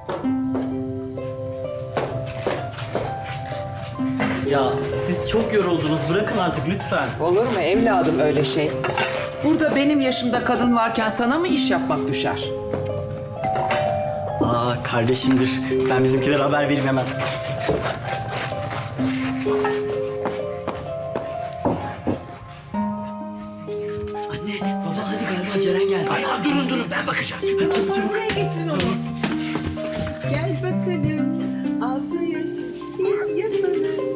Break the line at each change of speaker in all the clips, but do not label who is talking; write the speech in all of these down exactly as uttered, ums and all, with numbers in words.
Ya siz çok yoruldunuz. Bırakın artık lütfen.
Olur mu evladım öyle şey? Burada benim yaşımda kadın varken sana mı iş yapmak düşer?
Aa kardeşimdir. Ben bizimkilere haber vereyim hemen. Anne, baba hadi galiba Ceren geldi.
Ay, ay, durun durun ben bakacağım.
Hadi çabuk çabuk.
Buraya getirin onu. Gel bakalım. Ablaya sürpriz yapalım.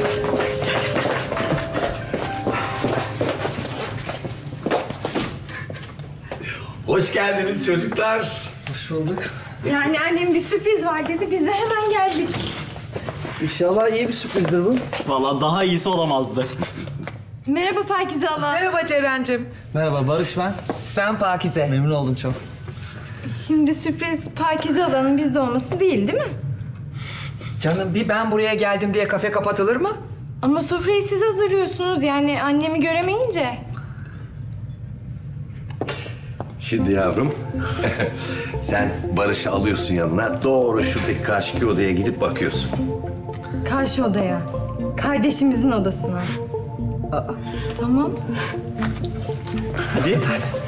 Hoş geldiniz çocuklar.
Hoş bulduk.
Yani annem bir sürpriz var dedi. Biz de hemen geldik.
İnşallah iyi bir sürprizdir bu.
Vallahi daha iyisi olamazdı.
Merhaba Pakize abla.
Merhaba Ceren'cim.
Merhaba Barış ben.
Ben Pakize.
Memnun oldum çok.
Şimdi sürpriz Pakize ablanın bizde olması değil değil mi?
Canım bir ben buraya geldim diye kafe kapatılır mı?
Ama sofrayı siz hazırlıyorsunuz yani annemi göremeyince.
Şimdi yavrum, sen Barış'ı alıyorsun yanına, doğru şuradaki karşıki odaya gidip bakıyorsun.
Karşı odaya. Kardeşimizin odasına.
Aa.
Tamam.
Hadi.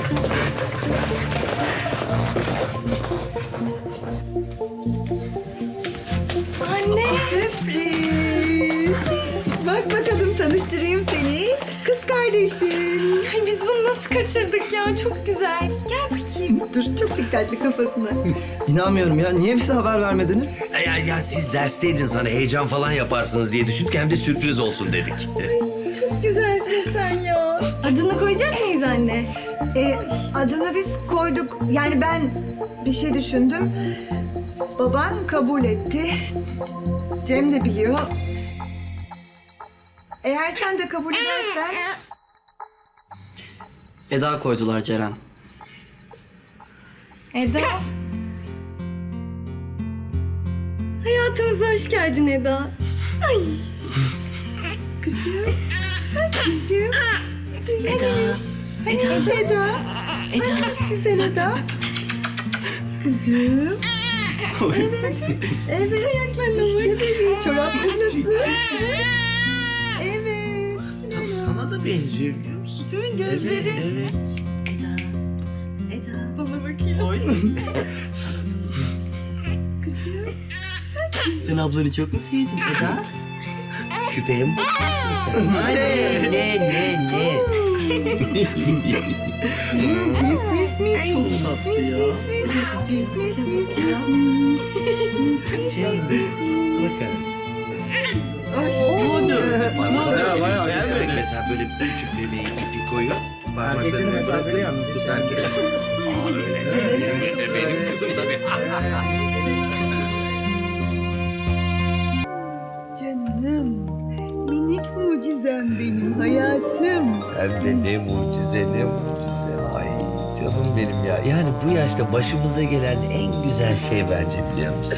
Anne.
Sürpriz. Bak bakalım tanıştırayım seni. Kız kardeşim.
Ay biz bunu nasıl kaçırdık ya? Çok güzel. Gel bakayım.
Dur çok dikkatli kafasına.
İnanmıyorum ya. Niye bize haber vermediniz?
Ya, ya siz dersteydiniz hani heyecan falan yaparsınız diye düşündük hem de sürpriz olsun dedik.
Çok güzelsin sen ya. Adını koyacak mıyız anne?
Ee, adını biz koyduk. Yani ben bir şey düşündüm. Baban kabul etti. Cem de biliyor. Eğer sen de kabul edersen...
Eda koydular Ceren.
Eda. Hayatımıza hoş geldin Eda. Ay.
Kızım. Kızım. Eda. Hanimiş Eda. Hanimiş güzel Eda. Kızım. Evet. Evet. İşte bebeği. Çorapları nasıl? Evet.
Sana da benziyor biliyor musun?
Değil mi gözleri?
Evet, evet.
Eda. Bana bakıyor. Kızım.
Sen ablanı çok mu sevdin Eda?
Küpeye mi bakıyorsun sen? Ne, ne, ne, ne?
Mis mis mis. Mis
tatlı
mis
ya.
mis. Mis mis mis mis. Mis mis mis mis.
Bakın.
Ay,
Bayağı bayağı. Güzel mesela böyle bir küçük bebeği ipi koyuyor. Parmaklarını
mesafeli yalnız, hiç
tutarken. Aa öyle. Evet, benim kızım tabii.
Canım. Minik mucizem benim hayatım.
Hem de ne mucize ne mucize. Ay canım benim ya. Yani bu yaşta başımıza gelen en güzel şey bence biliyor musun?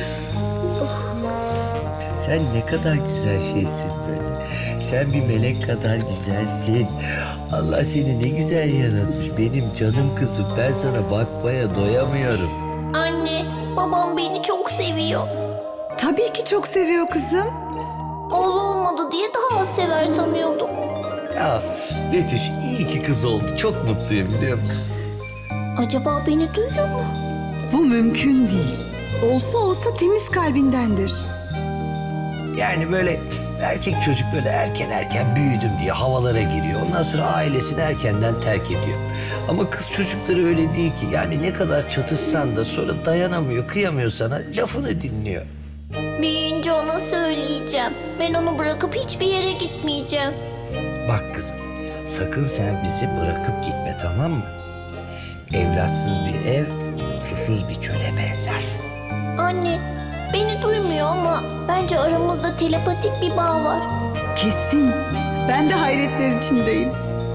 Sen ne kadar güzel şeysin böyle. Sen bir melek kadar güzelsin. Allah seni ne güzel yaratmış. Benim canım kızım. Ben sana bakmaya doyamıyorum.
Anne, babam beni çok seviyor.
Tabii ki çok seviyor kızım.
Oğlu olmadı diye daha az sever sanıyordum.
Ya Betüş iyi ki kız oldu. Çok mutluyum biliyor musun?
Acaba beni duyuyor mu?
Bu mümkün değil. Olsa olsa temiz kalbindendir.
Yani böyle erkek çocuk böyle erken erken büyüdüm diye havalara giriyor. Ondan sonra ailesini erkenden terk ediyor. Ama kız çocukları öyle değil ki. Yani ne kadar çatışsan da sonra dayanamıyor, kıyamıyor sana. Lafını dinliyor.
Büyüyünce ona söyleyeceğim. Ben onu bırakıp hiçbir yere gitmeyeceğim.
Bak kızım, sakın sen bizi bırakıp gitme tamam mı? Evlatsız bir ev, susuz bir çöle benzer.
Anne, beni duymuyor ama bence aramızda telepatik bir bağ var.
Kesin. Ben de hayretler içindeyim.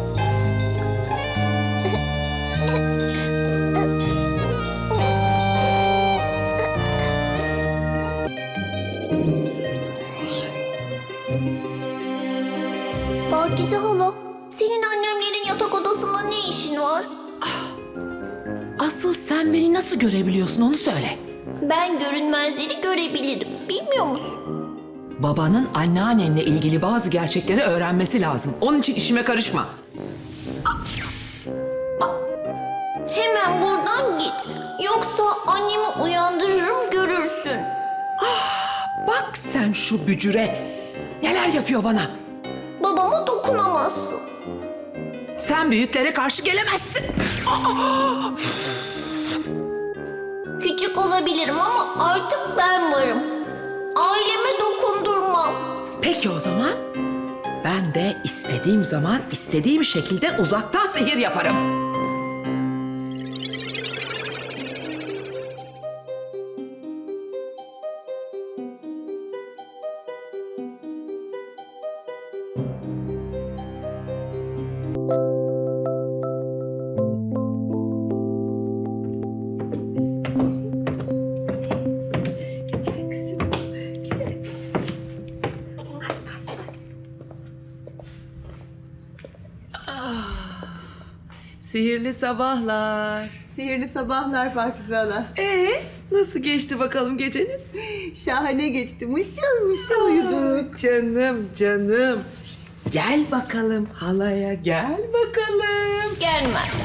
Pakize hala, senin annemlerin yatak odasında ne işin var?
Asıl sen beni nasıl görebiliyorsun onu söyle.
Ben görünmezleri görebilirim. Bilmiyor musun?
Babanın anneannenle ilgili bazı gerçekleri öğrenmesi lazım. Onun için işime karışma.
Hemen buradan git. Yoksa annemi uyandırırım, görürsün.
Bak sen şu bücüre. Neler yapıyor bana.
Babama dokunamazsın.
Sen büyüklere karşı gelemezsin.
Küçük olabilirim ama artık ben varım. Aileme dokundurmam.
Peki o zaman ben de istediğim zaman istediğim şekilde uzaktan sihir yaparım. Sihirli sabahlar.
Sihirli sabahlar Pakize Hala.
Ee, nasıl geçti bakalım geceniz?
Şahane geçti. Mışıl mışıl uyuduk.
Canım, canım. Gel bakalım halaya, gel bakalım.
Gelmez.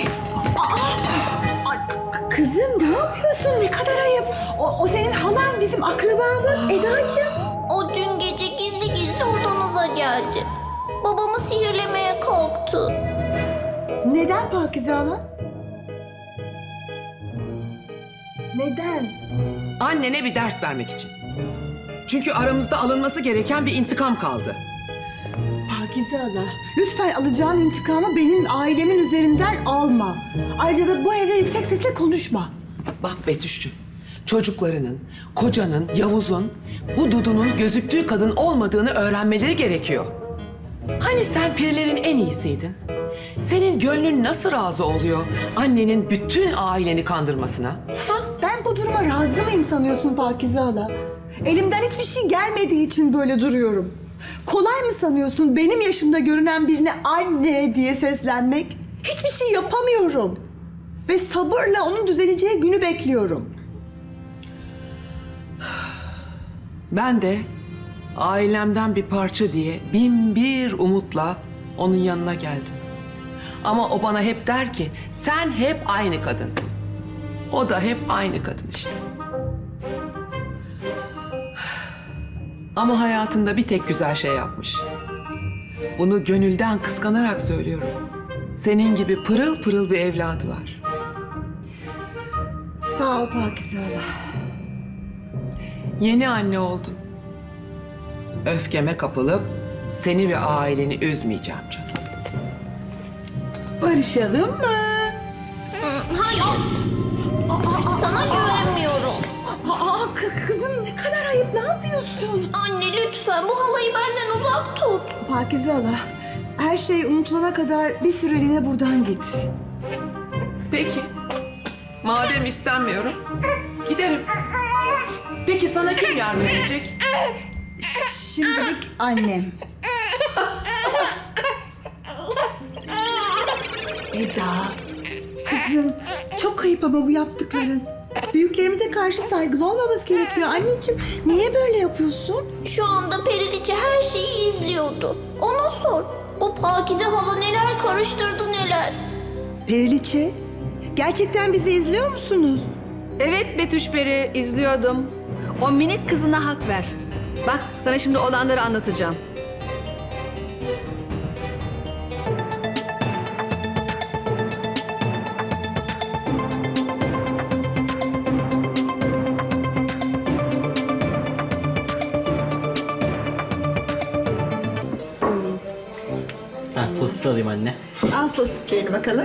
Ay, k- kızım ne yapıyorsun? Ne kadar ayıp. O, o senin halan, bizim akrabamız Edacığım.
O dün gece gizli gizli odanıza geldi. Babamı sihirlemeye kalktı.
Neden Pakize Hala? Neden?
Annene bir ders vermek için. Çünkü aramızda alınması gereken bir intikam kaldı.
Pakize Hala, lütfen alacağın intikamı benim ailemin üzerinden alma. Ayrıca da bu evde yüksek sesle konuşma.
Bak Betüş'cüğüm, çocuklarının, kocanın, Yavuz'un, bu Dudu'nun gözüktüğü kadın olmadığını öğrenmeleri gerekiyor. Hani sen perilerin en iyisiydin? Senin gönlün nasıl razı oluyor annenin bütün aileni kandırmasına? Ha?
Ben bu duruma razı mıyım sanıyorsun Pakize Hala? Elimden hiçbir şey gelmediği için böyle duruyorum. Kolay mı sanıyorsun benim yaşımda görünen birine anne diye seslenmek? Hiçbir şey yapamıyorum. Ve sabırla onun düzeleceği günü bekliyorum.
Ben de ailemden bir parça diye bin bir umutla onun yanına geldim. Ama o bana hep der ki sen hep aynı kadınsın. O da hep aynı kadın işte. Ama hayatında bir tek güzel şey yapmış. Bunu gönülden kıskanarak söylüyorum. Senin gibi pırıl pırıl bir evladı var.
Sağ ol Pakize Hala.
Yeni anne oldun. Öfkeme kapılıp seni ve aileni üzmeyeceğim canım. Barışalım mı?
Hayır. Sana güvenmiyorum.
Aa kı- kızım ne kadar ayıp, ne yapıyorsun?
Anne lütfen bu halayı benden uzak tut.
Pakize Hala, her şey unutulana kadar bir süreliğine buradan git.
Peki. Madem istenmiyorum, giderim. Peki sana kim yardım edecek?
Şimdilik annem. Eda, kızım çok ayıp ama bu yaptıkların. Büyüklerimize karşı saygılı olmamız gerekiyor. Anneciğim niye böyle yapıyorsun?
Şu anda Periliçe her şeyi izliyordu. Ona sor. Bu Pakize hala neler karıştırdı neler.
Periliçe, gerçekten bizi izliyor musunuz?
Evet Betüş Peri, izliyordum. O minik kızına hak ver. Bak sana şimdi olanları anlatacağım.
Ben sosis alayım anne.
Al sosislerini bakalım.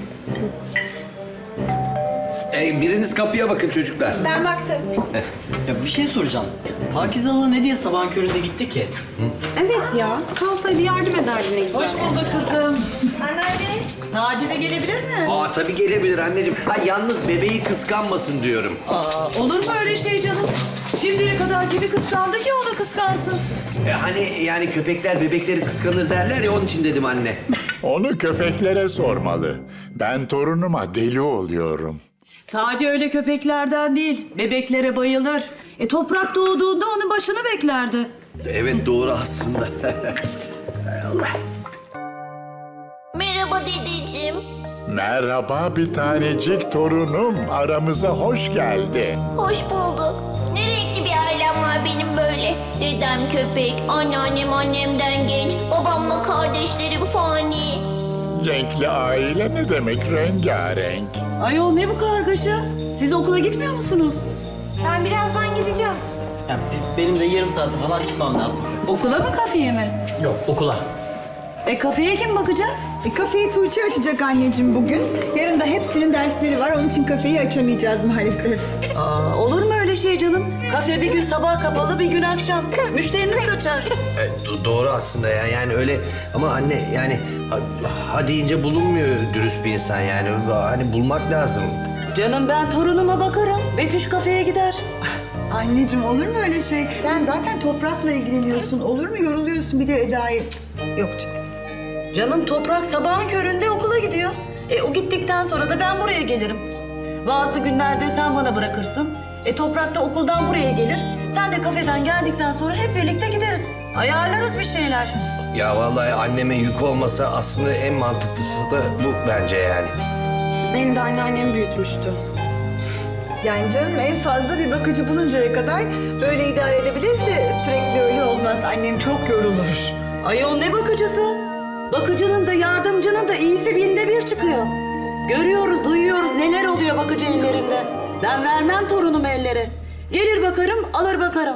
E, biriniz kapıya bakın çocuklar.
Ya bir şey soracağım. Pakize Hala ne diye sabahın köründe gitti ki?
Evet ya. Kalsaydı yardım ederdi neyse.
Hoş bulduk kızım.
Taci de gelebilir mi?
Aa tabii gelebilir anneciğim. Ha yalnız bebeği kıskanmasın diyorum.
Aa, olur mu öyle şey canım? Şimdiye kadar kimi kıskandı ki o da kıskansın.
E, hani yani köpekler bebekleri kıskanır derler ya onun için dedim anne.
Onu köpeklere sormalı. Ben torunuma deli oluyorum. Taci öyle köpeklerden değil. Bebeklere bayılır. E toprak doğduğunda onun başını beklerdi.
Evet doğru aslında.
Merhaba dedeciğim.
Merhaba bir tanecik torunum. Aramıza hoş geldin.
Hoş bulduk. Ne renkli bir ailem var benim böyle. Dedem köpek, anneannem annemden genç, babamla kardeşlerim fani.
Renkli aile ne demek? Rengarenk.
Ayol ne bu kargaşa? Siz okula gitmiyor musunuz?
Ben birazdan gideceğim.
Ya, b- benim de yarım saate falan çıkmam lazım.
Okula mı kafeye mi?
Yok, okula.
E kafeye kim bakacak?
E, kafeyi Tuğçe açacak anneciğim bugün. Yarın da hepsinin dersleri var. Onun için kafeyi açamayacağız maalesef.
Aa, olur mu öyle şey canım? Kafe bir gün sabah kapalı, bir gün akşam. Müşteriniz kaçar.
E, do- doğru aslında ya. Yani öyle ama anne yani ha, ha deyince bulunmuyor dürüst bir insan yani. Hani bulmak lazım.
Canım ben torunuma bakarım. Betüş kafeye gider.
Anneciğim olur mu öyle şey? Sen zaten toprakla ilgileniyorsun. Olur mu? Yoruluyorsun bir de Eda'yı. Cık, yok canım.
Canım toprak sabahın köründe okula gidiyor. E o gittikten sonra da ben buraya gelirim. Bazı günlerde sen bana bırakırsın. E toprak da okuldan buraya gelir. Sen de kafeden geldikten sonra hep birlikte gideriz. Ayarlarız bir şeyler.
Ya vallahi anneme yük olmasa aslında en mantıklısı da bu bence yani.
Beni de anneannem büyütmüştü.
Yani canım en fazla bir bakıcı buluncaya kadar böyle idare edebiliriz de sürekli öyle olmaz. Annem çok yorulur.
Ayol ne bakıcısı? Bakıcının da yardımcının da iyisi binde bir çıkıyor. Görüyoruz, duyuyoruz neler oluyor bakıcı ellerinde. Ben vermem torunumu ellere. Gelir bakarım, alır bakarım.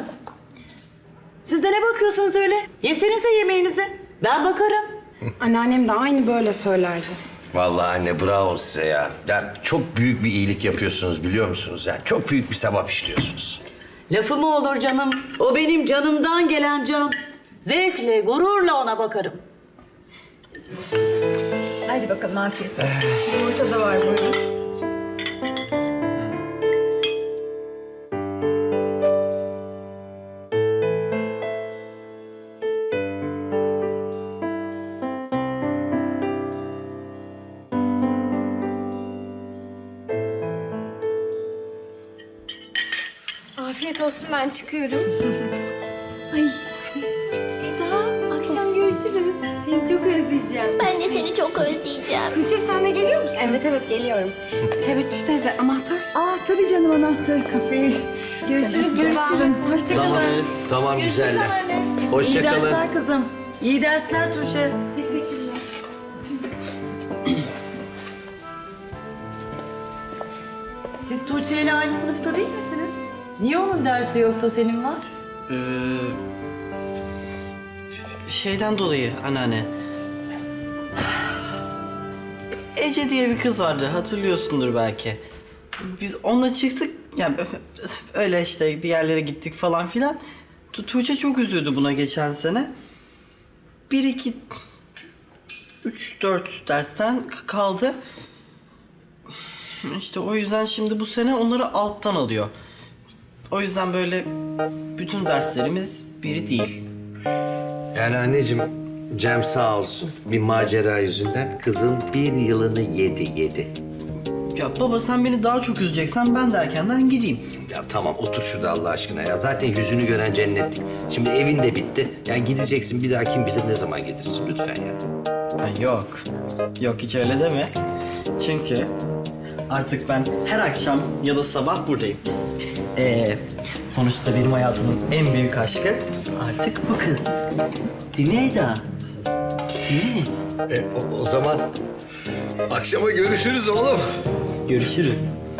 Siz de ne bakıyorsunuz öyle? Yesenize yemeğinizi. Ben bakarım.
Anneannem de aynı böyle söylerdi.
Vallahi anne bravo size ya. Ya çok büyük bir iyilik yapıyorsunuz biliyor musunuz? Yani çok büyük bir sevap işliyorsunuz.
Lafı mı olur canım? O benim canımdan gelen can. Zevkle, gururla ona bakarım.
Hadi bakalım afiyet olsun. Yumurta da var buyurun.
Afiyet olsun ben çıkıyorum. Ay Eda akşam görüşürüz. Seni çok özleyeceğim.
Ben de seni çok özleyeceğim.
Tuğçe sen de geliyor musun? Evet evet geliyorum. Şebet teyze anahtar.
Aa tabii canım anahtar kafeyi.
Görüşürüz görüşürüz. Hoşçakalın.
Tamam, tamam güzeller. Hoşça
İyi
kalın.
dersler kızım. İyi dersler Tuğçe.
Teşekkürler.
Siz Tuğçe ile aynı sınıfta değil misiniz? Niye onun dersi yok da senin var?
Ee, şeyden dolayı anneanne. Ece diye bir kız vardı, hatırlıyorsundur belki. Biz onunla çıktık, yani öyle işte bir yerlere gittik falan filan. Tu- Tuğçe çok üzüldü buna geçen sene. Bir, iki, üç, dört dersten k- kaldı. İşte o yüzden şimdi bu sene onları alttan alıyor. O yüzden böyle bütün derslerimiz biri değil.
Yani anneciğim Cem sağ olsun bir macera yüzünden kızın bir yılını yedi yedi.
Ya baba sen beni daha çok üzeceksen ben de erkenden gideyim.
Ya tamam otur şurada Allah aşkına ya. Zaten yüzünü gören cennetlik. Şimdi evin de bitti. Yani gideceksin bir daha kim bilir ne zaman gelirsin lütfen ya.
Ha, yok. Yok hiç öyle deme. Çünkü artık ben her akşam ya da sabah buradayım. Ee, sonuçta benim hayatımın en büyük aşkı artık bu kız. Değil mi Eda? Değil mi?
E, o, o zaman akşama görüşürüz oğlum.
Görüşürüz.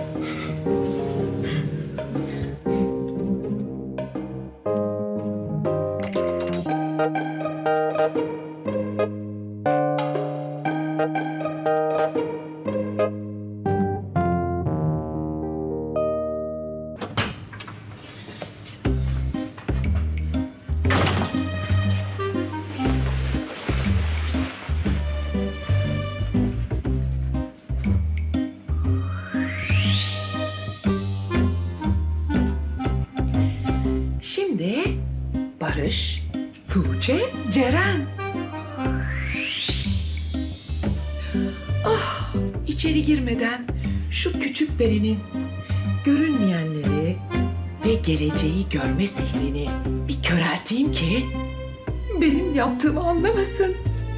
Şimdi Barış, Tuğçe, Ceren. Ah, içeri girmeden şu küçük perinin görünmeyenleri ve geleceği görme sihrini bir körelteyim ki benim yaptığımı anlamasın.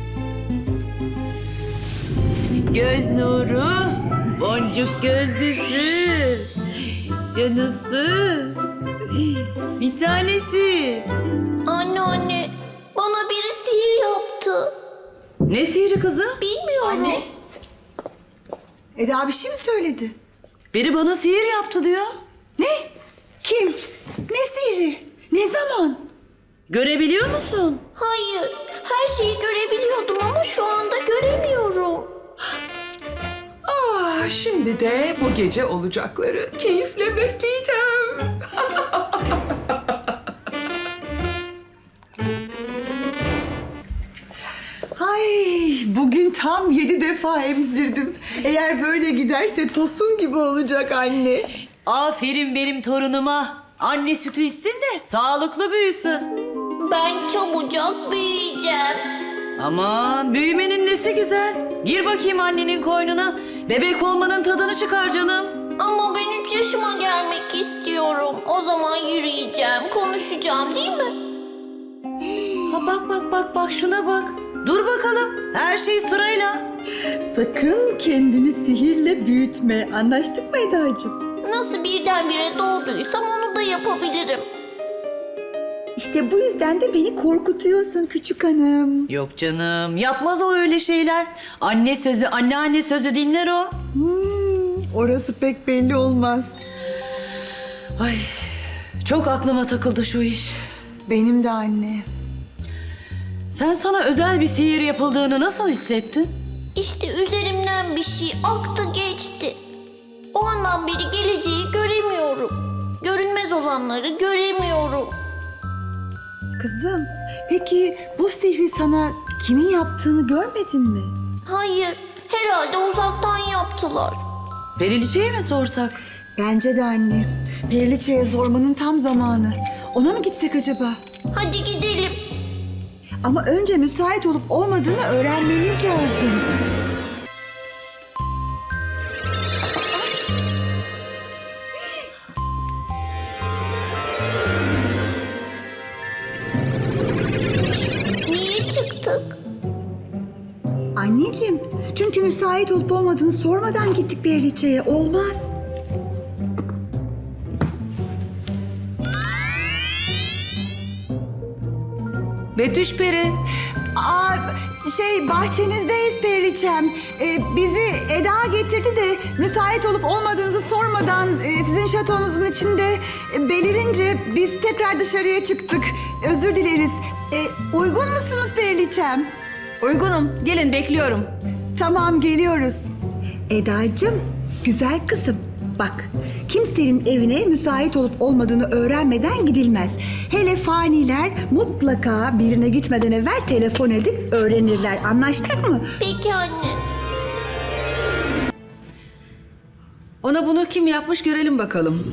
Göz nuru, boncuk gözlüsü, canısı, bir tanesi.
Anneanne, bana biri sihir yaptı.
Ne sihri kızım?
Bilmiyorum.
Eda bir şey mi söyledi?
Biri bana sihir yaptı diyor.
Ne? Kim? Ne sihri? Ne zaman?
Görebiliyor musun?
Hayır, her şeyi görebiliyordum ama şu anda göremiyorum.
Ah, şimdi de bu gece olacakları keyifle bekleyeceğim.
Ay bugün tam yedi defa emzirdim. Eğer böyle giderse tosun gibi olacak anne.
Aferin benim torunuma. Anne sütü içsin de sağlıklı büyüsün.
Ben çabucak büyüyeceğim.
Aman büyümenin nesi güzel. Gir bakayım annenin koynuna. Bebek olmanın tadını çıkar canım.
Ama ben üç yaşıma gelmek istiyorum. O zaman yürüyeceğim, konuşacağım değil mi?
Ha, bak bak bak bak şuna bak. Dur bakalım. Her şey sırayla.
Sakın kendini sihirle büyütme. Anlaştık mı Eda'cığım?
Nasıl birdenbire doğduysam onu da yapabilirim.
İşte bu yüzden de beni korkutuyorsun küçük hanım.
Yok canım. Yapmaz o öyle şeyler. Anne sözü, anneanne sözü dinler o.
Hmm, orası pek belli olmaz.
Ay çok aklıma takıldı şu iş.
Benim de anne.
Sen sana özel bir sihir yapıldığını nasıl hissettin?
İşte üzerimden bir şey aktı geçti. O andan beri geleceği göremiyorum. Görünmez olanları göremiyorum.
Kızım, peki bu sihri sana kimin yaptığını görmedin mi?
Hayır, herhalde uzaktan yaptılar.
Periliçe'ye mi sorsak?
Bence de anne. Periliçe'ye sormanın tam zamanı. Ona mı gitsek acaba?
Hadi gidelim.
Ama önce müsait olup olmadığını öğrenmemiz lazım.
Niye çıktık?
Anneciğim, çünkü müsait olup olmadığını sormadan gittik Periliçe'ye. Olmaz.
Betüş Peri.
Aa, şey bahçenizdeyiz Periliçem. Ee, bizi Eda getirdi de müsait olup olmadığınızı sormadan e, sizin şatonuzun içinde e, belirince biz tekrar dışarıya çıktık. Özür dileriz. E, uygun musunuz Periliçem?
Uygunum. Gelin bekliyorum.
Tamam geliyoruz. Edacığım, güzel kızım. Bak, kimsenin evine müsait olup olmadığını öğrenmeden gidilmez. Hele faniler mutlaka birine gitmeden evvel telefon edip öğrenirler. Anlaştık mı?
Peki anne.
Ona bunu kim yapmış görelim bakalım.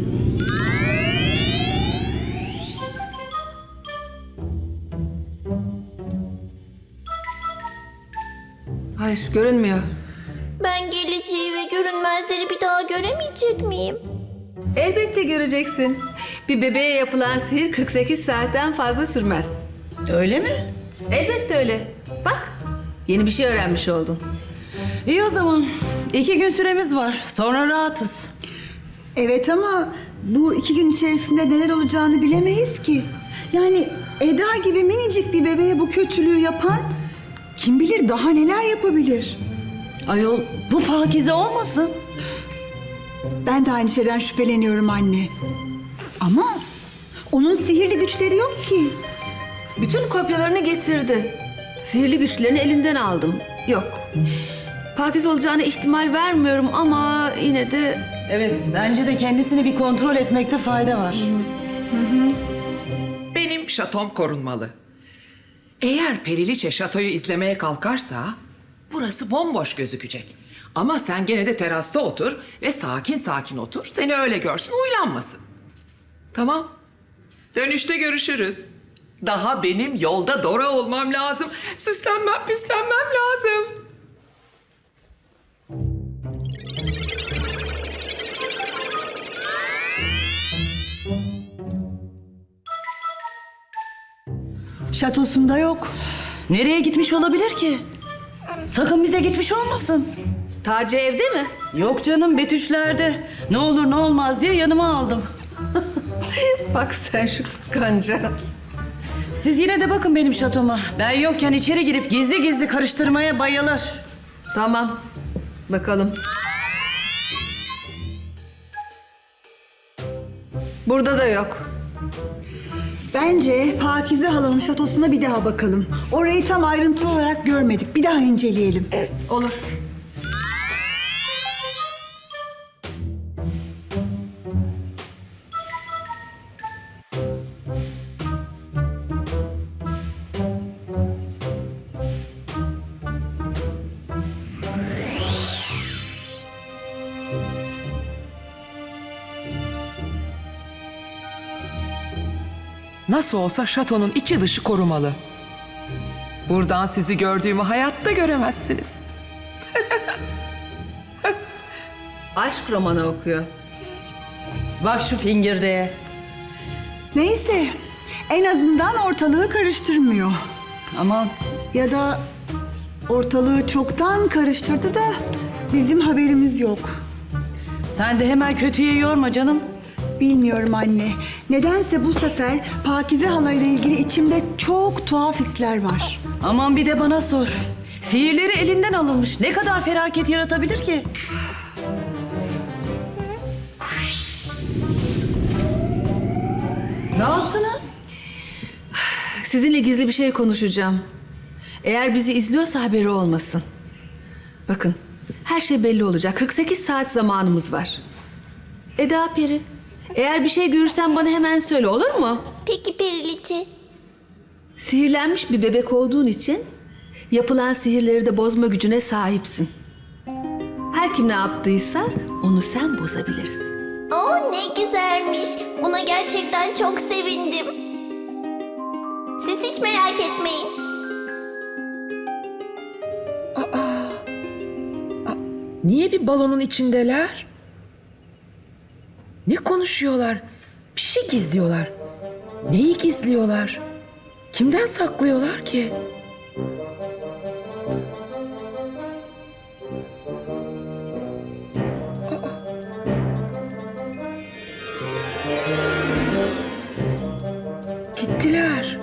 Hayır, görünmüyor.
Ben geleceği ve görünmezleri bir daha göremeyecek miyim?
Elbette göreceksin. Bir bebeğe yapılan sihir kırk sekiz saatten fazla sürmez.
Öyle mi?
Elbette öyle. Bak, yeni bir şey öğrenmiş oldun.
İyi o zaman. İki gün süremiz var. Sonra rahatız.
Evet ama bu iki gün içerisinde neler olacağını bilemeyiz ki. Yani Eda gibi minicik bir bebeğe bu kötülüğü yapan kim bilir daha neler yapabilir.
Ayol bu Pakize olmasın?
Ben de aynı şeyden şüpheleniyorum anne. Ama onun sihirli güçleri yok ki.
Bütün kopyalarını getirdi. Sihirli güçlerini elinden aldım. Yok. Pakiz olacağına ihtimal vermiyorum ama yine de...
Evet bence de kendisini bir kontrol etmekte fayda var.
Benim şatom korunmalı. Eğer Periliçe şatoyu izlemeye kalkarsa burası bomboş gözükecek. Ama sen gene de terasta otur ve sakin sakin otur. Seni öyle görsün, uylanmasın. Tamam. Dönüşte görüşürüz. Daha benim yolda Dora olmam lazım. Süslenmem, püslenmem lazım.
Şatosunda yok.
Nereye gitmiş olabilir ki? Sakın bize gitmiş olmasın.
Taci evde mi?
Yok canım, Betüşler'de. Ne olur ne olmaz diye yanıma aldım.
Bak sen şu kıskanca.
Siz yine de bakın benim şatoma. Ben yokken içeri girip gizli gizli karıştırmaya bayılır.
Tamam. Bakalım. Burada da yok.
Bence Pakize halanın şatosuna bir daha bakalım. Orayı tam ayrıntılı olarak görmedik. Bir daha inceleyelim.
Olur.
Nasıl olsa şatonun içi dışı korumalı. Buradan sizi gördüğümü hayatta göremezsiniz.
Aşk romanı okuyor.
Bak şu fingirdeğe.
Neyse, en azından ortalığı karıştırmıyor.
Aman
Ya da ortalığı çoktan karıştırdı da bizim haberimiz yok.
sen de hemen kötüye yorma canım.
Bilmiyorum anne. Nedense bu sefer Pakize halayla ilgili içimde çok tuhaf hisler var.
Aman bir de bana sor. Sihirleri elinden alınmış. Ne kadar felaket yaratabilir ki? Ne yaptınız?
Sizinle gizli bir şey konuşacağım. Eğer bizi izliyorsa haberi olmasın. Bakın, her şey belli olacak. kırk sekiz saat zamanımız var. Eda Peri, eğer bir şey görürsen bana hemen söyle, olur mu?
Peki Periliçe.
Sihirlenmiş bir bebek olduğun için yapılan sihirleri de bozma gücüne sahipsin. Her kim ne yaptıysa onu sen bozabilirsin.
Oo ne güzelmiş. Buna gerçekten çok sevindim. Siz hiç merak etmeyin.
Niye bir balonun içindeler? Ne konuşuyorlar? Bir şey gizliyorlar. Neyi gizliyorlar? Kimden saklıyorlar ki? Aa. Gittiler.